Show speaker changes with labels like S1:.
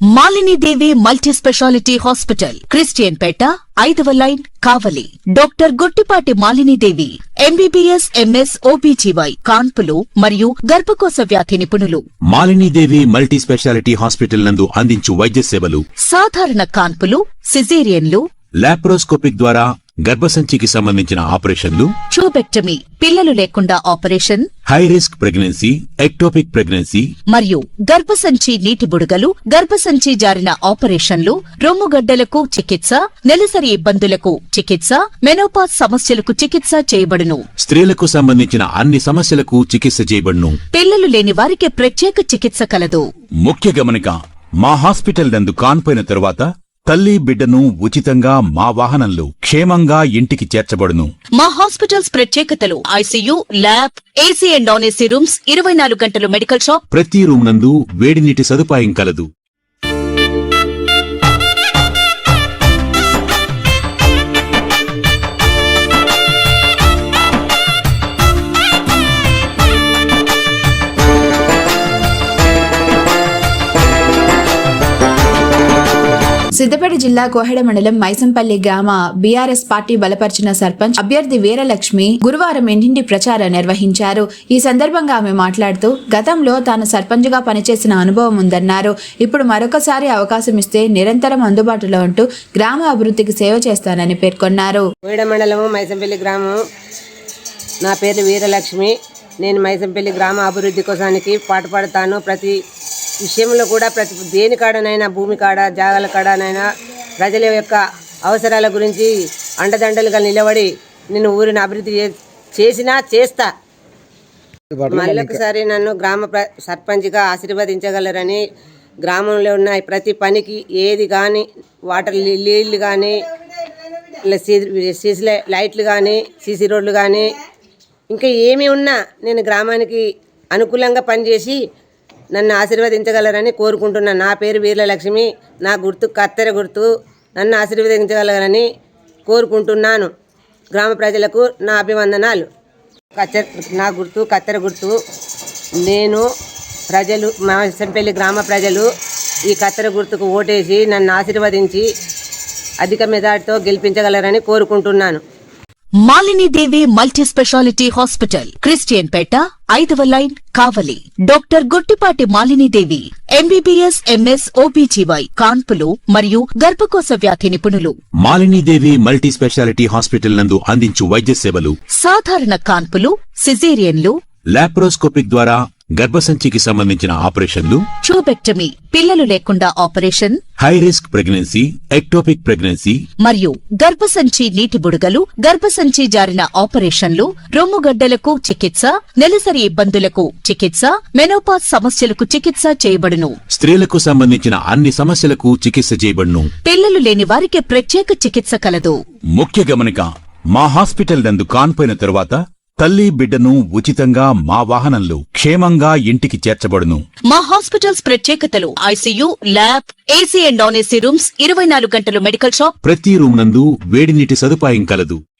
S1: Malini Devi multi speciality hospital, Christian Peta, 5వ line, Kavali. Doctor Guttipati Malini Devi, MBBS, MS, OBGY, కాన్పులు మరియు గర్భకోశ వ్యాధి నిపుణులు.
S2: Malini Devi multi speciality hospital నందు అందించు వైద్య సేవలు:
S1: సాధారణ కాన్పులు, సిజేరియన్లు,
S2: లాప్రోస్కోపిక్ ద్వారా గర్భసంచికి సంబంధించిన ఆపరేషన్లు,
S1: ట్యూబెక్టమీ, పిల్లలు లేకుండా operation,
S2: high risk pregnancy, ectopic pregnancy
S1: మరియు గర్భసంచి నీటి బుడగలు, గర్భసంచి జారిన ఆపరేషన్లు, రొమ్ముగడ్డలకు చికిత్స, నెలసరి ఇబ్బందులకు చికిత్స, మెనోపాజ్ సమస్యలకు చికిత్స చేయబడును.
S2: స్త్రీలకు సంబంధించిన అన్ని సమస్యలకు చికిత్స చేయబడును.
S1: పిల్లలు లేని వారికి ప్రత్యేక చికిత్స కలదు.
S2: ముఖ్య గమనిక: మా హాస్పిటల్ నందు కాన్పోయిన తరువాత తల్లి బిడ్డను ఉచితంగా మా వాహనంలో క్షేమంగా ఇంటికి చేర్చబడును.
S1: మా హాస్పిటల్స్ ప్రత్యేకతలు: ICU, lab, AC and non AC rooms, 24 గంటలు మెడికల్ షాప్,
S2: ప్రతి రూమ్ నందు వేడి నీటి సదుపాయం కలదు.
S3: సిద్దిపేట జిల్లా కోహెడ మండలం మైసంపల్లి గ్రామ బీఆర్ఎస్ పార్టీ బలపరిచిన సర్పంచ్ అభ్యర్థి వీరలక్ష్మి గురువారం ఇంటింటి ప్రచారం నిర్వహించారు. ఈ సందర్భంగా ఆమె మాట్లాడుతూ గతంలో తాను సర్పంచ్ గా పనిచేసిన అనుభవం ఉందన్నారు. ఇప్పుడు మరొకసారి అవకాశం ఇస్తే నిరంతరం అందుబాటులో ఉంటూ గ్రామ అభివృద్ధికి సేవ చేస్తానని పేర్కొన్నారు.
S4: కోహెడ మండలము మైసంపల్లి గ్రామం. నా పేరు వీరలక్ష్మి. నేను మైసంపల్లి గ్రామ అభివృద్ధి కోసానికి పాటుపడతాను. ప్రతి విషయంలో కూడా దేని కాడనైనా, భూమి కాడ, జాగాల కాడనైనా ప్రజల యొక్క అవసరాల గురించి అండదండలుగా నిలబడి నేను ఊరిని అభివృద్ధి చేస్తా. మళ్ళొకసారి నన్ను గ్రామ సర్పంచ్గా ఆశీర్వదించగలరని, గ్రామంలో ఉన్న ప్రతి పనికి ఏది కానీ, వాటర్ నీళ్ళు కానీ, సీసీ లైట్లు కానీ, సీసీ రోడ్లు కానీ, ఇంకా ఏమి ఉన్నా నేను గ్రామానికి అనుకూలంగా పనిచేసి నన్ను ఆశీర్వదించగలరని కోరుకుంటున్నాను. నా పేరు వీరలక్ష్మి. నా గుర్తు కత్తెర గుర్తు. నన్ను ఆశీర్వదించగలరని కోరుకుంటున్నాను. గ్రామ ప్రజలకు నా అభివందనాలు. నా గుర్తు కత్తెర గుర్తు. నేను ప్రజలు, మా మైసంపల్లి గ్రామ ప్రజలు ఈ కత్తెర గుర్తుకు ఓటేసి నన్ను ఆశీర్వదించి అధిక మెజార్టీతో గెలిపించగలరని కోరుకుంటున్నాను.
S1: Malini Devi multi speciality hospital, Christian Peta, 5వ line, Kavali. Doctor Guttipati Malini Devi, MBBS, MS, OBGY, కాన్పులు మరియు గర్భకోశ వ్యాధి నిపుణులు.
S2: Malini Devi multi speciality hospital నందు అందించు వైద్య సేవలు:
S1: సాధారణ కాన్పులు, సిజేరియన్లు,
S2: లాప్రోస్కోపిక్ ద్వారా గర్భసంచికి సంబంధించిన ఆపరేషన్లు,
S1: ట్యూబెక్టమీ, పిల్లలు లేకుండా operation,
S2: high risk pregnancy, ectopic pregnancy
S1: మరియు గర్భసంచి నీటి బుడగలు, గర్భసంచి జారిన ఆపరేషన్లు, రొమ్ముగడ్డలకు చికిత్స, నెలసరి ఇబ్బందులకు చికిత్స, మెనోపాజ్ సమస్యలకు చికిత్స చేయబడును.
S2: స్త్రీలకు సంబంధించిన అన్ని సమస్యలకు చికిత్స చేయబడును.
S1: పిల్లలు లేని వారికి ప్రత్యేక చికిత్స కలదు.
S2: ముఖ్య గమనిక: మా హాస్పిటల్ నందు కాన్పోయిన తరువాత తల్లి బిడ్డను ఉచితంగా మా వాహనంలో క్షేమంగా ఇంటికి చేర్చబడును.
S1: మా హాస్పిటల్స్ ప్రత్యేకతలు: ICU, lab, AC and non AC rooms, 24 గంటలు మెడికల్ షాప్,
S2: ప్రతి రూమ్ నందు వేడి నీటి సదుపాయం కలదు.